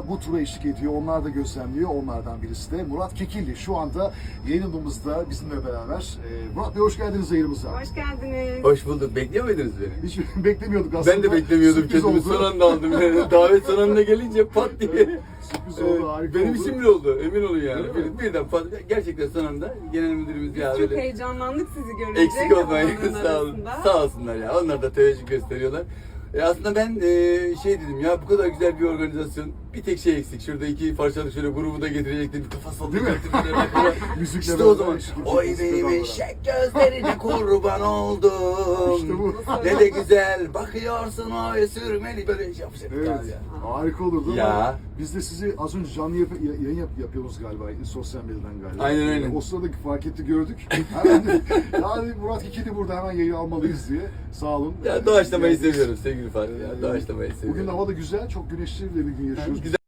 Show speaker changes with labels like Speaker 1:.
Speaker 1: bu tura eşlik ediyor. Onlar da gözlemliyor. Onlardan birisi de Murat Kekilli. Şu anda yayınımızda bizimle beraber. Murat Bey hoş geldiniz yayınımıza.
Speaker 2: Hoş geldiniz.
Speaker 3: Hoş bulduk. Bekliyor muydunuz beni?
Speaker 1: Hiç beklemiyorduk aslında.
Speaker 3: Ben de beklemiyordum.
Speaker 1: Sürpriz
Speaker 3: Kendimi
Speaker 1: oldu.
Speaker 3: son anda aldım. Yani. Davet son anda gelince pat diye.
Speaker 1: Sürpriz oldu, harika
Speaker 3: Benim
Speaker 1: oldu.
Speaker 3: işim bile oldu. Emin olun yani.
Speaker 1: Öyle mi?
Speaker 3: Birden pat. Gerçekten son anda genel müdürümüz
Speaker 2: Biz
Speaker 3: ya
Speaker 2: çok
Speaker 3: böyle.
Speaker 2: heyecanlandık sizi görünce.
Speaker 3: Eksik olmayın.
Speaker 2: kalabalığın
Speaker 3: Sağ olun.
Speaker 2: arasında.
Speaker 3: Sağ olsunlar ya. Onlar da teveccüh gösteriyorlar. Aslında ben şey dedim ya, bu kadar güzel bir organizasyon, bir tek şey eksik. Şurada iki parçalı şöyle grubu da getirecektim. Bir kafa
Speaker 1: Değil mi?
Speaker 3: sallayacaktım.
Speaker 1: Müzikle
Speaker 3: İşte
Speaker 1: beraber
Speaker 3: o zaman.
Speaker 1: eşlik
Speaker 3: Oy
Speaker 1: edeceğiz,
Speaker 3: benim
Speaker 1: beraber.
Speaker 3: eşek gözlerine kurban oldum.
Speaker 1: İşte bu.
Speaker 3: Ne de güzel bakıyorsun o sürmeli, böyle şey yapacaktık
Speaker 1: Evet,
Speaker 3: abi ya.
Speaker 1: harika olurdu
Speaker 3: Ya.
Speaker 1: ama biz de sizi az önce canlı yayın yapıyoruz galiba sosyal medyadan galiba.
Speaker 3: Aynen, aynen.
Speaker 1: O sırada fark etti gördük. Hemen de, yani Murat Kekilli burada hemen yayın almalıyız diye. Sağ olun.
Speaker 3: Ya doğaçlamayı seviyorum sevgili Fatih ya. Doğaçlamayı seviyorum.
Speaker 1: Bugün hava da güzel, çok güneşli bir gün yaşıyoruz.
Speaker 3: Güzel.